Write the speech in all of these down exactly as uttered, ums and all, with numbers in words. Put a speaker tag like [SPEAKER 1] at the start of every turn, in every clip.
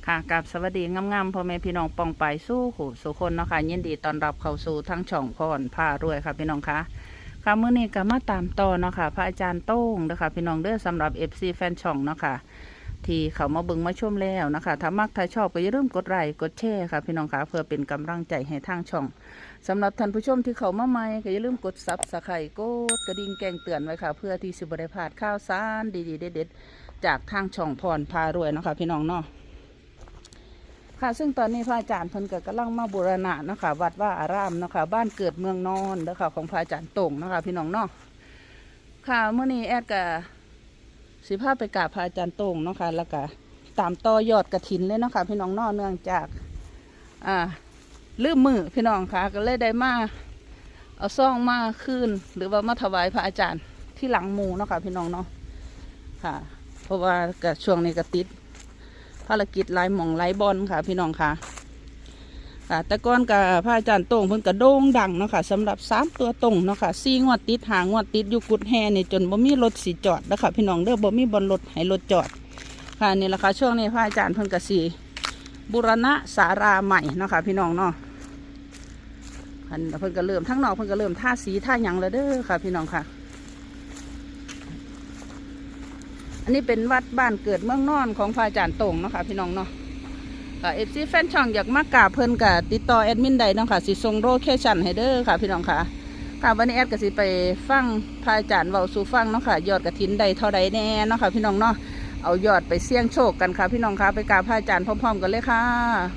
[SPEAKER 1] ค่ะกับสวัสดีงามๆพ่อแม่พี่น้องปองไปสู้หูสุคนเนาะค่ะยินดีต้อนรับเข้าสู่ทั้งช่องพรผ้ารวยค่ะพี่น้องคะค่ะมื้อนี้ก็มาตามต่อเนาะค่ะพระอาจารย์โต้งเด้อค่ะพี่น้องเด้อสำหรับ เอฟ ซี แฟนช่องเนาะค่ะที่เขามาเบิ่งมาชมแล้วนะคะถ้ามักถ้าชอบก็อย่าลืมกดไลค์กดแชร์ค่ะพี่น้องคะเพื่อเป็นกำลังใจให้ทางช่องสำหรับท่านผู้ชมที่เขามาใหม่ก็อย่าลืมกดซับสไครต์กดกระดิ่งแจ้งเตือนไว้ค่ะเพื่อที่สิบ่ได้พลาดข่าวสารดีๆเด็ดๆจากทางช่องพรพารวยเนาะค่ะพี่น้องเนาะค่ะซึ่งตอนนี้พระอาจารย์เพิ่นก็กำลังมาบูรณะเนาะค่ะวัดว่าอารามเนาะค่ะบ้านเกิดเมืองนอนเด้อค่ะของพระอาจารย์โต่งเนาะค่ะพี่น้องเนาะค่ะเมื่อนี้แอดก็สิพาไปกราบพระอาจารย์โต่งเนาะค่ะแล้วก็ตามต่อยอดกฐินเลยเนาะค่ะพี่น้องเนาะเนื่องจากอ่าลืมมือพี่น้องค่ะก็เลยได้มาเอาซ่องมาคืนหรือว่ามาถวายพระอาจารย์ที่หลังหมู่เนาะค่ะพี่น้องเนาะค่ะเพราะว่าก็ช่วงนี้ก็ติดภารกิจลายหม่องลายบอลค่ะพี่น้องค่ะค่ะแต่ก่อนกับพระอาจารย์โต่งเพิ่นกระโด่งดังเนาะค่ะสำหรับสามตัวตรงเนาะค่ะสี่งวดติดหางวดติดอยู่กุดแห่นี่จนบ่มีรถสีจอดนะคะพี่น้องเด้อบ่มีบอลรถให้รถจอดค่ะนี่แหละค่ะช่วงนี้พระอาจารย์เพิ่นกระสีบูรณะศาลาใหม่เนาะค่ะพี่น้องเนาะเพิ่นก็เริ่มทั้งนอกเพิ่นก็เริ่มท่าสีท่าหยังแล้วเด้อค่ะพี่น้องค่ะอันนี้เป็นวัดบ้านเกิดเมืองนอนของพระอาจารย์โต่งเนาะค่ะพี่น้องเนาะค่ะเอฟซีแฟนช่องอยากมากราบเพิ่นกับติดต่อแอดมินได้เนาะค่ะสิส่งโลเคชั่นให้เด้อค่ะพี่น้องค่ะค่ะวันนี้แอดก็สิไปฟังพระอาจารย์เว้าสู่ฟังเนาะค่ะยอดกฐินใดเท่าใดแน่เนาะค่ะพี่น้องเนาะเอายอดไปเสี่ยงโชคกันค่ะพี่น้องค่ะไปกราบพระอาจารย์พร้อมๆกันเลยค่ะ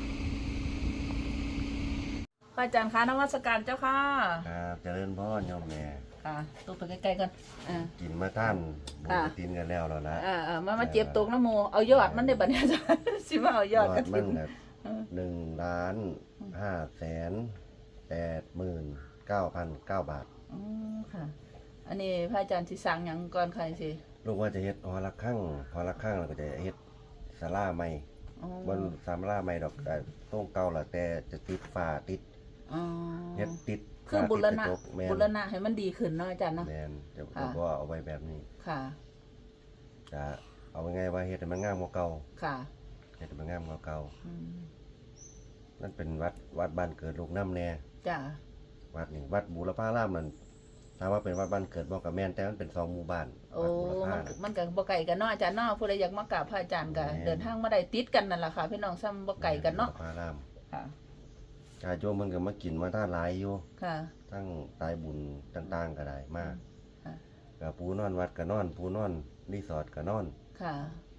[SPEAKER 1] พระอาจารย์คะนมัสการเจ้าค่ะ
[SPEAKER 2] ครับเจริญพรโยมแม่
[SPEAKER 1] ค่ะตัวไปใกล้ๆกันอ่า
[SPEAKER 2] กินมาท่านบุญกินกันแล้วแล้วนะ
[SPEAKER 1] อ่าอ่ามามาเจ็บตกน้ำโมเอายอดมันได้บัดนี้อาจารย์สิมาเอายอดกฐิน
[SPEAKER 2] หนึ่งล้านห้าแสนแปดหมื่นเก้าพันเก้าบาท
[SPEAKER 1] อ๋อค่ะอันนี้พระอาจารย์สิสั่งหยังก่อนค่ะสิ
[SPEAKER 2] ลูกว่าจะเฮ็ดหอละข้างหอละข้างเราก็จะเฮ็ดศาลาใหม่บนศาลาใหม่ดอกต้องเก่าละแต่จะติดฝ้าติดเฮ็ดติด
[SPEAKER 1] คือบุรณะบุรณะให้มันดีขึ้นเนาะอาจารย์เนาะ
[SPEAKER 2] แม่นจะก็เอาไว้แบบนี้
[SPEAKER 1] ค่ะ
[SPEAKER 2] จะเอาไงว่าเฮ็ดให้มันงามกว่าเก่า
[SPEAKER 1] ค่ะ
[SPEAKER 2] เฮ็ดให้มันงามกว่าเก่านั่นเป็นวัดวัดบ้านเกิดลูกน้ำแน่
[SPEAKER 1] จ้ะ
[SPEAKER 2] วัดนี่วัดบูรพารามนั่นถามว่าเป็นวัดบ้านเกิดบ่กับแม่นแต่มันเป็นสองหมู่บ้าน
[SPEAKER 1] โอ้มันก็บ่ไกลกันเนาะอาจารย์เนาะผู้ใดอยากมากราบพระอาจารย์ก็เดินทางมาได้ติดกันนั่นแหละค่ะพี่น้องซ้ำบ่ไกลกันเนาะ
[SPEAKER 2] พาราม
[SPEAKER 1] ค่ะ
[SPEAKER 2] ญาติโยมมันก็มากินมาท่าหลายอยู่
[SPEAKER 1] ค่ะ
[SPEAKER 2] ทั้งตายบุญต่างๆก็ได้มากกับปูนอนวัดก็นอนปูนอนรีสอร์ทก็นอน
[SPEAKER 1] ค่ะ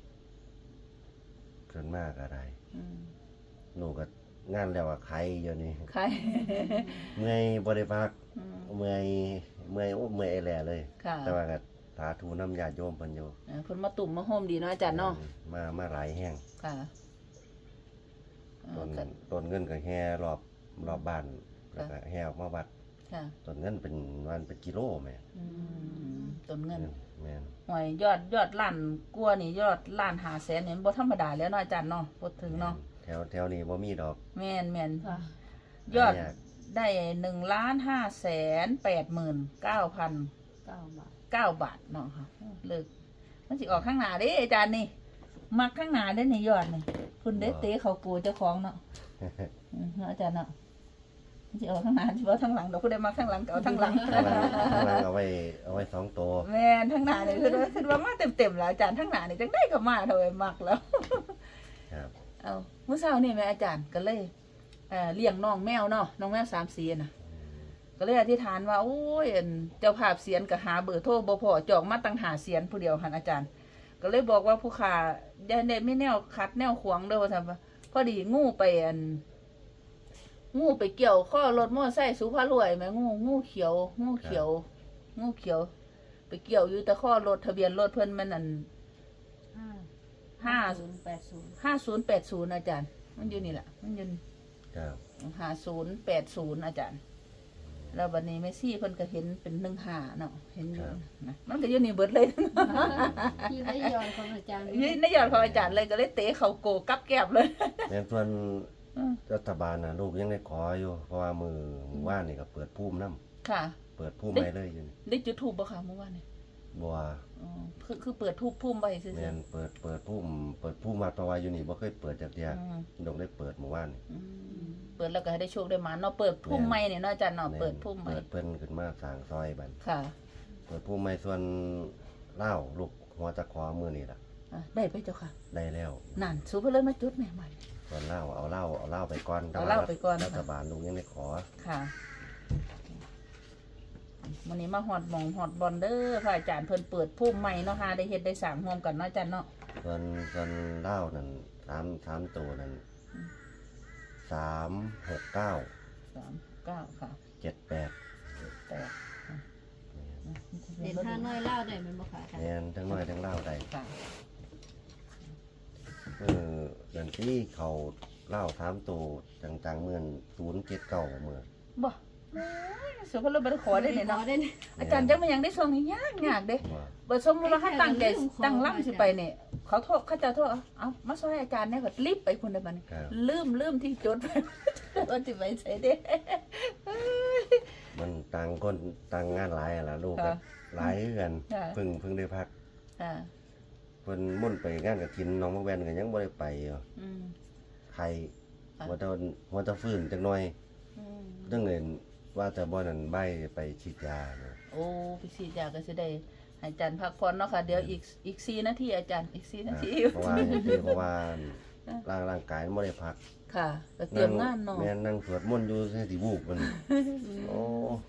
[SPEAKER 2] ส่วนมากก็ได้หนูก็งานแล้วว่าใครอยู่นี่
[SPEAKER 1] ใคร
[SPEAKER 2] เมื่อยบริภาคเมื่อยเมื่อยโอ้เมื่อยแหล่เลยแต่ว่าก็สาธุน้ำญาติโยมเพิ่นอยู่
[SPEAKER 1] เพิ่นมาตุ่มมาโฮมดีเนาะอาจารย์เนาะ
[SPEAKER 2] มามาหลายแห้ง
[SPEAKER 1] ค่ะ
[SPEAKER 2] ต้นต้นเงินก็แห่รอบรอบบ้านแล้วก็แห่ออกมาวัดต้นเงินเป็นวันเป็นกิโลแม่
[SPEAKER 1] ต้นเงิน
[SPEAKER 2] แม่น
[SPEAKER 1] หอยยอดยอดล้านกลัวนี่ยอดล้านหาแสนเนี่ยบ่ธรรมดาแล้วเนาะอาจารย์เนาะพูดถึงเนาะ
[SPEAKER 2] แถวแถวนี้บ่มีดอก
[SPEAKER 1] แม่นแม่นยอดได้หนึ่งล้านห้าแสนแปดหมื่นเก้าพันเก้าบาทเก้าบาทเนาะค่ะเลิกมันสิออกข้างหน้าเด้อาจารย์นี่มักข้างหน้าได้ในยอดนี่คุณเด้เตะเขากูเจ้าของเนาะอาจารย์เนาะจะเอาข้างหน้าจะเอาข้างหลังเราก็ได้มาข้างหลังเอาข้างหลัง
[SPEAKER 2] ข้างหลังเอาไว้เอาไว้สองตัว
[SPEAKER 1] แม่ข้างหน้าเนี่ยคือคือว่ามาเต็มๆแล้วอาจารย์ข้างหน้าเนี่ยจังได้ก็มาเท่าไหร่มักแล้วเอาเมื่อเช้านี่แม่อาจารย์ก็เลยเลี้ยงน้องแมวเนาะน้องแมวสามสีน่ะก็เลยอธิษฐานว่าโอ้ยเจ้าภาพเสียนก็หาเบอร์โทรบ่พอจองมาตั้งหาเสียนผู้เดียวหันอาจารย์ก็เลยบอกว่าผู้ขาอย่าได้ไม่แนวคัดแนวขวางเด้อว่าซั่นพอดีงูไปอันงูไปเกี่ยวข้อรถมอไซค์สุภาพรวยไหมงูงูเขียวงูเขียวงูเขียวไปเกี่ยวอยู่แต่ข้อรถทะเบียนรถเพิ่นมันอันห้าศูนย์แปดศูนย์ห้าศูนย์แปดศูนย์อาจารย์มันอยู่นี่แหละมันอยู่ห้าศูนย์แปดศูนย์อาจารย์แล้ววันนี้แม่ซี่เพิ่นก็เห็นเป็นหนึ่งห้าเนาะเห็นอยู่นะมันก็อยู่นี่เบิดเลย
[SPEAKER 3] ที่ได้ยอดของอาจารย์
[SPEAKER 1] นี่ได้ยอดของอาจารย์เลยก็เลยเตะเขาโกกับแก้บเลย
[SPEAKER 2] แต่ส่วนรัฐบาลนะลูกยังได้ขออยู่เพราะว่ามือมือว่านนี่ก็เปิดพุ่มน้ำ
[SPEAKER 1] ค่ะ
[SPEAKER 2] เปิดพุ่มไปเลยอยู่
[SPEAKER 1] ได้จุดธูปบ่ค่ะเมื่อวานนี่
[SPEAKER 2] บัว
[SPEAKER 1] อ๋อคือคือเปิดทูบพุ่มไว้ซื่อ
[SPEAKER 2] แม่นเปิดเปิดพุ่มเปิดพุ่มมาตะวาอยู่นี่บ่เคยเปิดจักเที่ย
[SPEAKER 1] อืม
[SPEAKER 2] ดอกได้เปิดเมื่อวานนี่
[SPEAKER 1] อืมเปิดแล้วก็ให้ได้โชคได้หมาเนาะเปิดพุ่มใหม่เนี่ยเนาะอาจารย์เนาะเปิดพุ่มใหม่
[SPEAKER 2] เปิดเพิ่นขึ้นมาสร้างซอยบัด
[SPEAKER 1] ค่ะ
[SPEAKER 2] เปิดพุ่มใหม่ส่วนเหล้าลูกหัวตะขอมื้อนี่ล่ะ
[SPEAKER 1] อ่ะได้ไปเจ้าค่ะ
[SPEAKER 2] ได้แล้ว
[SPEAKER 1] นั่นสูเพิ่นเลยมาจุดแม่ใหม่
[SPEAKER 2] ส่วนเหล้าเอาเหล้าเอาเหล้าไปก่อน
[SPEAKER 1] เอาเหล้าไปก่อน
[SPEAKER 2] รัฐบาลลูกยังได้ขอ
[SPEAKER 1] ค่ะวันนี้มาฮอดหมองฮอดบอลเด้อพระอาจารย์เพิ่นเปิดพุ่มใหม่เนาะค่ะได้เฮ็ดได้สร้างร่วมกันเนาะอาจารย์เนาะ
[SPEAKER 2] ส่วนส่วนเหล้านั่นสามสามตัวนั่นสามหกเก้า
[SPEAKER 1] สามเก้าค่ะ
[SPEAKER 2] เจ็ดแปด
[SPEAKER 1] แปดค่ะ
[SPEAKER 3] เด่นห้าน้อยเล่าได้แมันบ่ค่ะอาจารย์
[SPEAKER 2] แม่นทั้งน้อยทั้งเหล้าได้
[SPEAKER 1] ค่ะ
[SPEAKER 2] เออเดือนที่เขาเหล้าสามตัวจังๆเหมือนศูนย์เจ็ดเก้าเหมือน
[SPEAKER 1] บ่โอ้ยสูเพิ่นเลยบ่ได้ขอได้เนี่ยเนาะ
[SPEAKER 3] ขอได้เนี่ย
[SPEAKER 1] อาจารย์จังมายังได้ส่งนี่ยากยากเด้
[SPEAKER 2] ว่า
[SPEAKER 1] บ่สมมุติว่าเขาตั้งใจ
[SPEAKER 3] ไอ้แค่เรื่องของ
[SPEAKER 1] ตั้งล่ำสิไปเนี่ยเขาโทษเขาจะโทษเอามาซอยอาจารย์เนี่ยก็รีบไปพุ่นได้บัดนี้
[SPEAKER 2] ครับ
[SPEAKER 1] ลืมลืมที่จดไว้ ว่าสิไปใส่เด้
[SPEAKER 2] มันต่างคนต่างงานหลายอะล่ะลูกก็
[SPEAKER 1] ค่ะ
[SPEAKER 2] หลายคือกัน
[SPEAKER 1] ค่ะ
[SPEAKER 2] เพิ่งเพิ่งได้พัก
[SPEAKER 1] ค่ะ
[SPEAKER 2] เพิ่นมุ่นไปงานกฐินน้องมะแวนก็ยังบ่ได้ไปอยู่
[SPEAKER 1] อืม
[SPEAKER 2] ไข่
[SPEAKER 1] ค่ะ
[SPEAKER 2] ว่าจะว่าจะฟื้นจักหน่อย
[SPEAKER 1] อืม
[SPEAKER 2] จังเงินว่าจะบ่นั่นใบไปฉีดยาเนาะ
[SPEAKER 1] โอ้พี่สีอยากก็สิได้ให้อาจารย์พักผ่อนเนาะค่ะเดี๋ยวอีกอีกสี่นาทีอาจารย์อีกสี่นาที
[SPEAKER 2] เพราะว่าอย่างที่เพราะว่าร่างร่างกายมันบ่ได้พัก
[SPEAKER 1] ค่ะก็เตรียมงานเนาะ
[SPEAKER 2] แม่นนั่งสวดมนต์อยู่ใส่สิวูบมันโอ้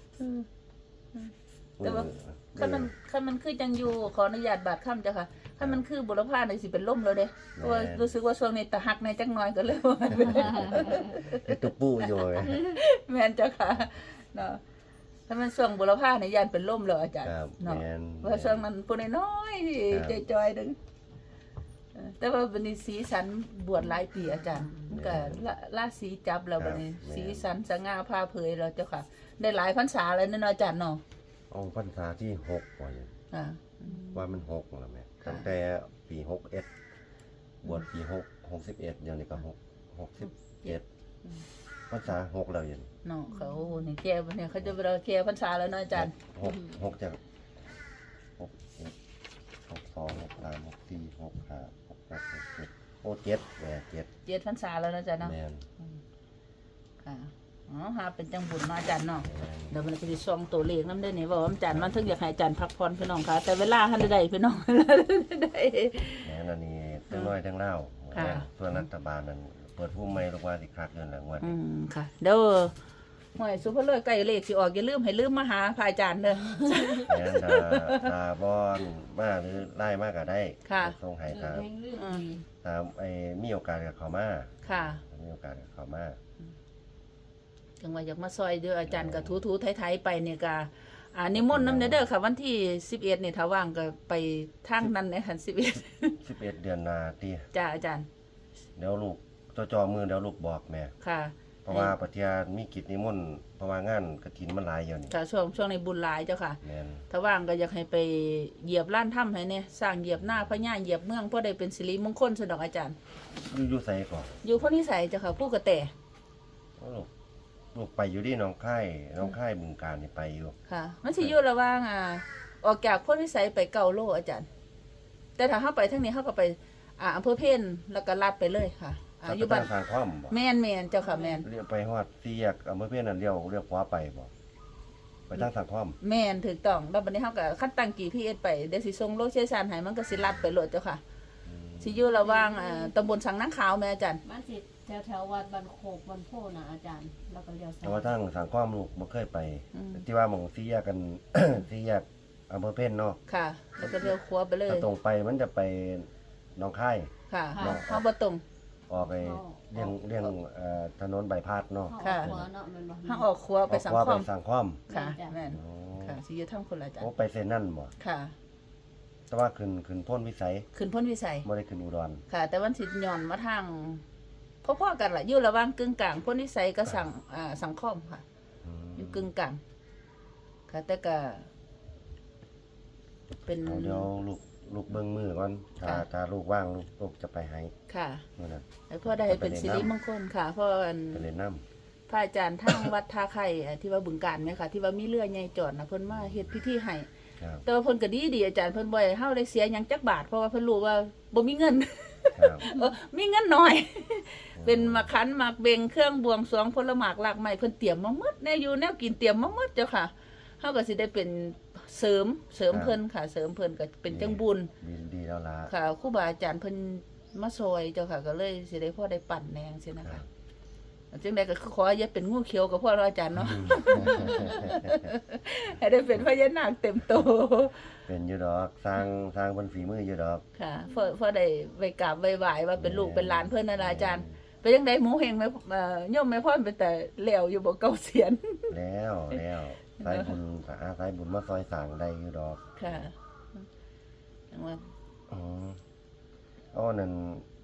[SPEAKER 1] แต่ว่าคันมันคันมันคือจังอยู่ขออนุญาตบาดค่ำจ้ะค่ะคันมันคือบุรพาในสิเป็นล่มแล้วเด้เพราะว่ารู้สึกว่าช่วงนี้ตะหักในจักหน่อยก็เลยว่า
[SPEAKER 2] ไอ้ตุ๊ปูอยู่ไง
[SPEAKER 1] แม่นจ้ะค่ะเนาะถ้ามันช่วงบุรพาในยานเป็นล่มแล้วอาจารย์
[SPEAKER 2] ครับ
[SPEAKER 1] เนาะ
[SPEAKER 2] แม่น
[SPEAKER 1] ว่าช่วงนั้นปุ่นน้อยๆที่
[SPEAKER 2] ครับ
[SPEAKER 1] จอยๆนึงเออแต่ว่าบัดนี้สีสันบวชหลายปีอาจารย์มันก็ละละสีจับแล้วบัดนี้สีสันสง่าผ่าเผยแล้วเจ้าค่ะ ได้หลายพรรษาแล้วเนาะอาจารย์เนาะ
[SPEAKER 2] เอาพรรษาที่หกว่าอย่าง
[SPEAKER 1] อ่า
[SPEAKER 2] ว่ามันหกแล้วแม่
[SPEAKER 1] ค่ะ
[SPEAKER 2] ตั้งแต่ปีหกเอ็ดบวชปีหกหกสิบเอ็ดเดี๋ยวนี้ก็หกหกสิบเจ็ดพรรษาหกแล้วอยัง
[SPEAKER 1] เนาะเขาเนี่ยแก่เนี่ยเขาจะไปเราแก่พรรษาแล้วเนาะอาจารย์
[SPEAKER 2] หกหกจากหกเจ็ดหกสองหกสามหกสี่หกห้าหกแปดหกเจ็ดโอ้เจ็ดแหม่เจ็ด
[SPEAKER 1] เจ็ดพรรษาแล้วเนาะอาจารย์เนาะ
[SPEAKER 2] แม่น
[SPEAKER 1] ค่ะอ๋อหาเป็นจังบุญเนาะอาจารย์เนาะ
[SPEAKER 2] แม่น
[SPEAKER 1] เดี๋ยวมันจะส่องตัวเลขน้ำได้นี่ว่าอาจารย์มันถึงอยากให้อาจารย์พักผ่อนพี่น้องค่ะ แต่เวลาท่านใดพี่น้อง เวลาใด
[SPEAKER 2] แม่นอันนี้ทั้งน้อยทั้งเล่า
[SPEAKER 1] ค่ะ
[SPEAKER 2] ส่วนรัฐบาลนั้นเปิดผู้ไม่ลงว่าสิคักเงินหลังวัน
[SPEAKER 1] อืมค่ะเดี๋ยวหวยสุภาพเลยใกล้เลขสิออกอย่าลืมให้ลืมมาหาพระอาจารย์เด้อ
[SPEAKER 2] แม่นดาตาบอนมาหรือไล่มากก็ได้
[SPEAKER 1] ค่ะ
[SPEAKER 2] ส่งให้
[SPEAKER 3] เอ
[SPEAKER 2] ตา
[SPEAKER 3] อแห่งเรื่องดี
[SPEAKER 2] ตามไอ้มีโอกาสกับเขามา
[SPEAKER 1] ค่ะ
[SPEAKER 2] มีโอกาสกับเขามา
[SPEAKER 1] จังว่าอยากมาซอยเด้ออาจารย์ก็ถูๆไทยๆไปเนี่ยก็อ่านิมนต์นำเด้อค่ะ วันที่สิบเอ็ดนี่ถ้าว่างก็ไปทางนั้นในคันสิบเอ็ด
[SPEAKER 2] สิบเอ็ดเดือนหนาตี
[SPEAKER 1] จ้าอาจารย์
[SPEAKER 2] เดี๋ยวลูกจอจอมือเดี๋ยวลูกบอกแม่
[SPEAKER 1] ค่ะ
[SPEAKER 2] เพราะว่าปฏิญาณมีกิจนิมนต์เพราะว่างานกฐินมันหลายอยู่นี่
[SPEAKER 1] ค่ะช่วงช่วงในบุญหลายเจ้าค่ะ
[SPEAKER 2] แม่น
[SPEAKER 1] ถ้าว่างก็อยากให้ไปเหยียบล้านถ้ำให้เนี่ยสร้างเหยียบหน้าพญาเหยียบเมืองเพื่อได้เป็นสิริมงคลสนอกอาจารย์
[SPEAKER 2] อยู่อยู่ไสก่อน
[SPEAKER 1] อยู่พ้นนิสัยเจ้าค่ะผู้กระแต
[SPEAKER 2] ลูกลูกไปอยู่ที่หน้องค่ายหน้องค่ายบึงการนี่ไปอยู่
[SPEAKER 1] ค่ะ มันสิอยู่ระหว่างอ่าออกจากพ้นนิสัยไปเก่าโลอาจารย์ แต่ถ้าเข้าไปทั้งนี้เข้าก็ไปอ่าอำเภอเพ่นแล้วก็ลัดไปเลยค่ะอ่าอยู่บ้าน
[SPEAKER 2] สร้างความบ่
[SPEAKER 1] แม่นแม่นเจ้าค่ะแม่น
[SPEAKER 2] เรียกไปฮอดสี่แยกอำเภอเพียนนั่นเลี้ยวเลี้ยวขวาไปบ่ไปทางสร้างความ
[SPEAKER 1] แม่นถูกต้องแล้วบัดนี้เฮาก็คัดตั้ง จี พี เอส ไปเดี๋ยวสิส่งโลเคชั่นให้มันก็สิลัดไปโลดเจ้าค่ะสิอยู่ระหว่างอ่าตำบลสังนังขาวแม่อาจารย์
[SPEAKER 3] บ้านสิแถวแถวๆวัดบ้านโคกบ้านโพนะอาจารย์ แล้วก็เลี้ยวซ้า
[SPEAKER 2] แต่ว่าย ทางสร้างความลูกบ่เคยไป
[SPEAKER 1] อืม
[SPEAKER 2] ที่ว่าหม่องสี่แยกกัน สี่แยกอำเภอเพียนเนาะ
[SPEAKER 1] ค่ะ แล้วก็เลี้ยวขวาไปเลย
[SPEAKER 2] ถ้าตรงไปมันจะไปหน้องค่าย
[SPEAKER 1] ค่ะเฮาบ่ตรง
[SPEAKER 2] ออกไปเลี่ยงเลี่ยงเอ่อถนนใบพัดเนาะ
[SPEAKER 3] เข้าออกหัวเนาะแมันบ่
[SPEAKER 1] เฮาออกขวาไปสัง
[SPEAKER 2] ออก
[SPEAKER 1] ค
[SPEAKER 2] ขวา
[SPEAKER 1] ม
[SPEAKER 2] ไปสังความ
[SPEAKER 1] ค่ะแม่น
[SPEAKER 2] อ๋อ
[SPEAKER 1] ค่ะสิอยู่ทางคนละอาจาร
[SPEAKER 2] โอ้
[SPEAKER 1] ย์
[SPEAKER 2] ไปเส้นนั่นบ่
[SPEAKER 1] ค่ะ
[SPEAKER 2] แต่ว่าขึ้นขึ้นพ้นวิสัย
[SPEAKER 1] ขึ้นพ้นวิสัย
[SPEAKER 2] บ่ได้ขึ้นอุดร
[SPEAKER 1] ค่ะ แต่วันสิย้อนมาทางพ่อๆกันล่ะอยู่ระหว่างกึ่งกลางพ้นวิสัยกับสังอ่าสังคมค่ะ
[SPEAKER 2] อืม
[SPEAKER 1] อยู่กึ่งกลางค่ะ แต่ก็เป็น
[SPEAKER 2] เอาเดี๋ยวลูกลูกเบิ่งมือก่อนถ้า
[SPEAKER 1] ค่ะ
[SPEAKER 2] ถ้าลูกว่างลูกลูกจะไปให้
[SPEAKER 1] ค่ะ
[SPEAKER 2] มื้อนั้น
[SPEAKER 1] ให้พ่อได้เป็นสิริมงคลค่ะเพราะอัน
[SPEAKER 2] ไปเล่นน้ำ
[SPEAKER 1] พระอาจารย์ทางวัดท่าไข่อ่ะที่ว่าบึงการไหมค่ะที่ว่ามีเรือใหญ่จอดนะเพิ่นมาเฮ็ดพิธีให้
[SPEAKER 2] ครับ
[SPEAKER 1] แต่ว่าเพิ่นก็ดีดีอาจารย์เพิ่นบ่ให้เฮาได้เสียหยังจักบาทเพราะว่าเพิ่นรู้ว่าบ่มีเงิน
[SPEAKER 2] ครับ
[SPEAKER 1] เออมีเงินน้อย เป็นมาคันหมากเบงเครื่องบวงสรวงผลหมากหลากไม้เพิ่นเตรียมมาหมดแน่อยู่แนวกินเตรียมมาหมดเจ้าค่ะเฮาก็สิได้เป็นเสริมเสริมเพิ่นค่ะ เสริมเพิ่นก็เป็นจังบุญ
[SPEAKER 2] ดีดีแล้วล่ะ
[SPEAKER 1] ค่ะครูบาอาจารย์เพิ่นมาซอยเจ้าค่ะ ก็เลยสิได้พอได้ปั่นแนงซี่นะคะจังได๋ก็คือขออย่าเป็นงูเขียวกับพ่อเราอาจารย์เนาะ ให้ได้เป็นพญานาคเต็มโต
[SPEAKER 2] เป็นอยู่ดอกสร้างสร้างบนฝีมืออยู่ดอก
[SPEAKER 1] ค่ะพอพอได้ไปกราบไหว้ว่าเป็นลูกเป็นหลานเพิ่นนั่นล่ะอาจารย์เป็นจังได๋หมูเฮงแม่เอ่อโยมแม่พ่อเป็นแต่แล้วอยู่บ่เก่าเสียน
[SPEAKER 2] แล้วแล้วสายบุญอาสายบุญมาซอยสร้างได้อยู่ดอก
[SPEAKER 1] ค่ะจังว่า
[SPEAKER 2] อืมเอาอันนั้น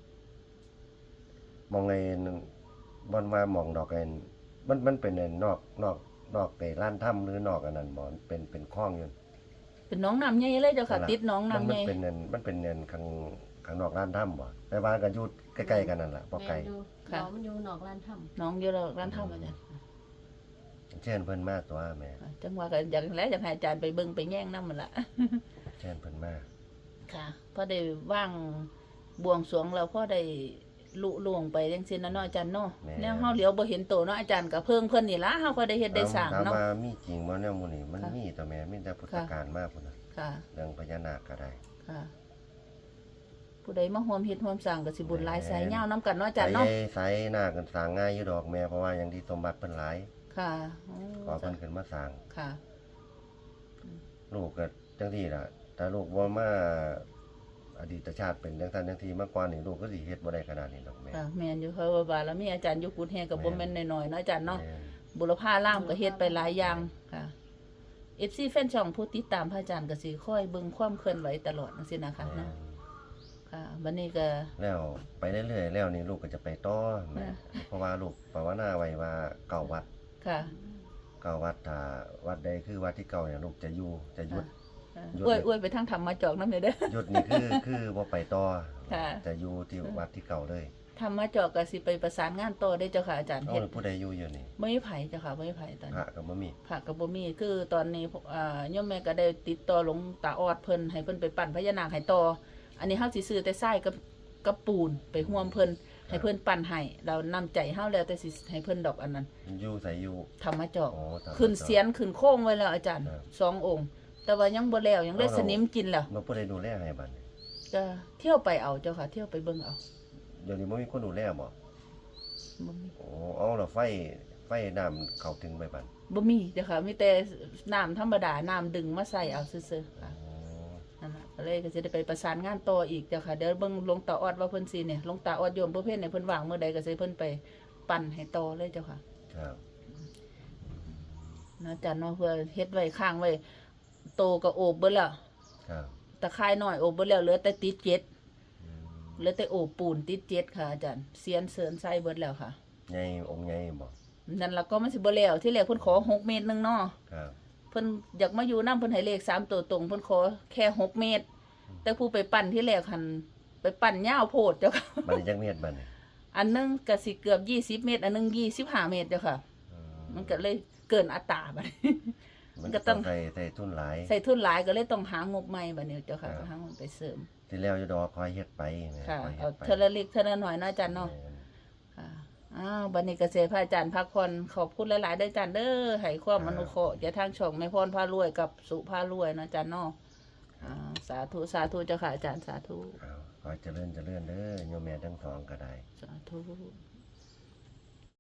[SPEAKER 2] มองไงบอนว่ามองดอกไอ้มันมันเป็นไอ้นอกนอกนอกไอ้ล้านถ้ำหรือนอกอันนั้นบ่เป็นเป็นคลองอยู่
[SPEAKER 1] เป็นน้องน้ำใหญ่เลยเจ้าค่ะ ติดน้อง
[SPEAKER 2] มั
[SPEAKER 1] น้ำ
[SPEAKER 2] มั
[SPEAKER 1] ใหญ่
[SPEAKER 2] เป็นเนินมันเป็นเนินข้างข้างนอกร้านถ้ำบ่แต่ว่ากันอยู่ใกล้ๆกันนั่นแหละบ่ไกล
[SPEAKER 3] แม่นอยู่น้องมันอยู่นอกร้านถ้ำ
[SPEAKER 1] น้องอยู่แล้วร้านทำอาจารย์
[SPEAKER 2] เชิญเพิ่นมาตัวแม่
[SPEAKER 1] จังว่าก็อยากแล้วอยากให้อาจารย์ไปเบิ่งไปแย่งน้ำมันละ
[SPEAKER 2] เชิญเพิ่นมา
[SPEAKER 1] ค่ะพอได้ว่างบวงสรวงเราพอได้ลุล่วงไปจังซี่นะเนาะอาจารย์เนาะแนวเฮาเหลียวบ่เห็นโตเนาะอาจารย์ก็เพิ่งเพิ่นนี่ล่ะเฮาก็ได้เฮ็ดได้สร้าง
[SPEAKER 2] ถาม
[SPEAKER 1] เนาะ
[SPEAKER 2] ว่ามีจริงบ่แนวหมู่นี่มัน
[SPEAKER 1] ค่ะ
[SPEAKER 2] มีตัวแม่มีแต่พุทธ
[SPEAKER 1] ค่ะ
[SPEAKER 2] การมาพุ่นน่ะ
[SPEAKER 1] ค่ะ
[SPEAKER 2] เรื่องพญานาคก็ได้
[SPEAKER 1] ค่ะ ผู้ใดมาร่วมเฮ็ดร่วมสร้างก็สิบุญหลายสายยาวนํกันเนาะอาจารย์เนาะ
[SPEAKER 2] สายสายหน้ากันสร้างง่ายอยู่ดอกแม่เพราะว่าอย่างที่สมบัติเพิ่นหลาย
[SPEAKER 1] ค่ะอ๋
[SPEAKER 2] ขอ
[SPEAKER 1] อ
[SPEAKER 2] เพิ่นขึ้นมาสร้าง
[SPEAKER 1] ค่ะ
[SPEAKER 2] ลูกก็จังซี่ล่ะถ้าลูกบ่มาอดีตชาติเป็นจังซั่นจังซี่มาก่อนนี่ลูกก็สิเฮ็ดบ่ได้ขนาดนี้ดอกแม่
[SPEAKER 1] ค่ะแม่นอยู่เพราะว่าบารมีอาจารย์อยู่กุดแฮก็บ่แม่นน้อยๆเนาะอาจารย์เนาะ
[SPEAKER 2] แม่
[SPEAKER 1] บุรพาล่ามก็เฮ็ดไปหลายอย่างค่ะ เอฟ ซี แฟนช่องผู้ติดตามพระอาจารย์ก็สิคอยเบิ่งความเคลื่อนไหวตลอดจังซี่นะคะ
[SPEAKER 2] แม่
[SPEAKER 1] เนาะค่ะบัดนี้ก็
[SPEAKER 2] แล้วไปเรื่อยๆแล้วนี่ลูกก็จะไปต่อแม่
[SPEAKER 1] อ่า
[SPEAKER 2] เพราะว่าลูกภาวนาไว้ว่าเก่าวัด
[SPEAKER 1] ค่ะ
[SPEAKER 2] เก่าวัดถ้าวัดใดคือวัดที่เก่าเนี่ยลูกจะอยู่จะหยุด
[SPEAKER 1] ค่ะ
[SPEAKER 2] หยุด
[SPEAKER 1] อวยอวยไปทางธรรมจอกนำเด้อ
[SPEAKER 2] หยุดนี่คือ คือบ่ไปต่อ
[SPEAKER 1] ค่ะ
[SPEAKER 2] จะอยู่ที่วัดที่เก่าเลย
[SPEAKER 1] ธรรมจอกก็สิไปประสานงานต่อได้เจ้าค่ะอาจารย์
[SPEAKER 2] เอา
[SPEAKER 1] เฮ็ด
[SPEAKER 2] แล้วผู้ใดอยู่อยู่นี่
[SPEAKER 1] บ่มีไผเจ้าค่ะบ่มีไผตอน
[SPEAKER 2] พระ
[SPEAKER 1] นี้
[SPEAKER 2] ก็บ่มี
[SPEAKER 1] พระก็บ่มีคือตอนนี้อ่าโยมแม่ก็ได้ติดต่อหลวงตาออดเพิ่นให้เพิ่นไปปั่นพญานาคให้ต่ออันนี้เฮาสิซื้อแต่ทรายกับกับปูนไปร่วมเพิ่นให้เพิ่นปั่นให้เรานำใจเฮาแล้วแต่สิให้เพิ่นดอกอันนั้น
[SPEAKER 2] อยู่ใส่อยู่
[SPEAKER 1] ธรรมจอก
[SPEAKER 2] อ๋อตาม
[SPEAKER 1] ขึ้นเสียนขึ้นโค้งไว้แล้วอาจารย์
[SPEAKER 2] ครับ
[SPEAKER 1] สององค์ แต่ว่ายังบ่แล้วยังได้
[SPEAKER 2] เอาเรา
[SPEAKER 1] สนิมกินแล้ว
[SPEAKER 2] เราผู้ใดดูแลให้บัดนี้
[SPEAKER 1] ก็เที่ยวไปเอาเจ้าค่ะ เที่ยวไปเบิ่งเอา
[SPEAKER 2] เดี๋ยวนี้บ่มีคนดูแลบ่
[SPEAKER 1] บ่มี
[SPEAKER 2] โอ้เอาแล้วไฟไฟน้ำเข้าถึงไปบัด
[SPEAKER 1] บ่มีเจ้าค่ะมีแต่น้ำธรรมดาน้ำดึงมาใส่เอาซื่อๆค่ะ
[SPEAKER 2] อ๋อ
[SPEAKER 1] นั่นน่ะก็เลยก็สิได้ไปประสานงานต่ออีกเจ้าค่ะเดี๋ยวเบิ่งหลวงตาออดว่าเพิ่นสิเนี่ยหลวงตาออดโยมประเภทเนี่ยเพิ่นว่างเมื่อใดก็สิเพิ่นไปปั่นให้ต่อเลยเจ้าค่ะ
[SPEAKER 2] ครับ
[SPEAKER 1] นะอาจารย์เนาะเพื่อเฮ็ดไว้ข้างไว้โตก็โอบเบิดแล้ว
[SPEAKER 2] ครับ
[SPEAKER 1] ตะไคร่น้อยโอบเบิดแล้วเหลือแต่ติดเจ็ด
[SPEAKER 2] อืม
[SPEAKER 1] เหลือแต่โอบปูนติดเจ็ดค่ะอาจารย์เสียนเสริญใส่เบิดแล้วค่ะ
[SPEAKER 2] ใหญ่องค์ใหญ่บ่
[SPEAKER 1] นั่นล่ะก็มันสิบ่แล้วที่แรกเพิ่นขอหกเมตรหนึงเนาะ
[SPEAKER 2] ครับ
[SPEAKER 1] เพิ่นอยากมาอยู่นำเพิ่นให้เลขสามตัวตรงเพิ่นขอแค่หกเมตร แต่ผู้ไปปั่นที่แรกหันไปปั่นยาวโพดเจ้าค่ะ
[SPEAKER 2] บัดนี้จักเม็ดบัดนี้
[SPEAKER 1] อันหนึงก็สิเกือบยี่สิบเมตร อันหนึงยี่สิบห้าเมตรเจ้าค่ะ
[SPEAKER 2] อื
[SPEAKER 1] มันก็เลยเกินอัตราบัดนี้
[SPEAKER 2] มัน
[SPEAKER 1] ก็
[SPEAKER 2] ก็
[SPEAKER 1] ต้
[SPEAKER 2] ต้
[SPEAKER 1] อ
[SPEAKER 2] อง งใส่ใส่ทุนหลาย
[SPEAKER 1] ใส่ทุนหลายก็เลยต้องหางบใหม่บัดนี้เจ้าค่ะ
[SPEAKER 2] ครับ
[SPEAKER 1] หางบไปเสริม
[SPEAKER 2] ที่แล้วอยู่ดอกคอยเฮ็ดไปแม่
[SPEAKER 1] ค่ะ
[SPEAKER 2] คอยเฮ็
[SPEAKER 1] เอา
[SPEAKER 2] ดไป
[SPEAKER 1] เทอละเล็กเทอละน้อยเนาะอาจารย์เนาะ
[SPEAKER 2] แม่น
[SPEAKER 1] ค่ะอ้าวบัดนี้ก็เสียพระอาจารย์พักผ่อนขอบคุณหลายๆเด้ออาจารย์เด้อให้ความอนุเคราะห์อย่าทางช่องแม่พรพารวยกับสุพารวยเนาะอาจารย์เนาะอ่าสาธุสาธุเจ้าค่ะอาจารย์สาธุ
[SPEAKER 2] เอาขอเจริญเจริญเด้อโยมแม่ทั้งสองก็ได้
[SPEAKER 1] สาธุ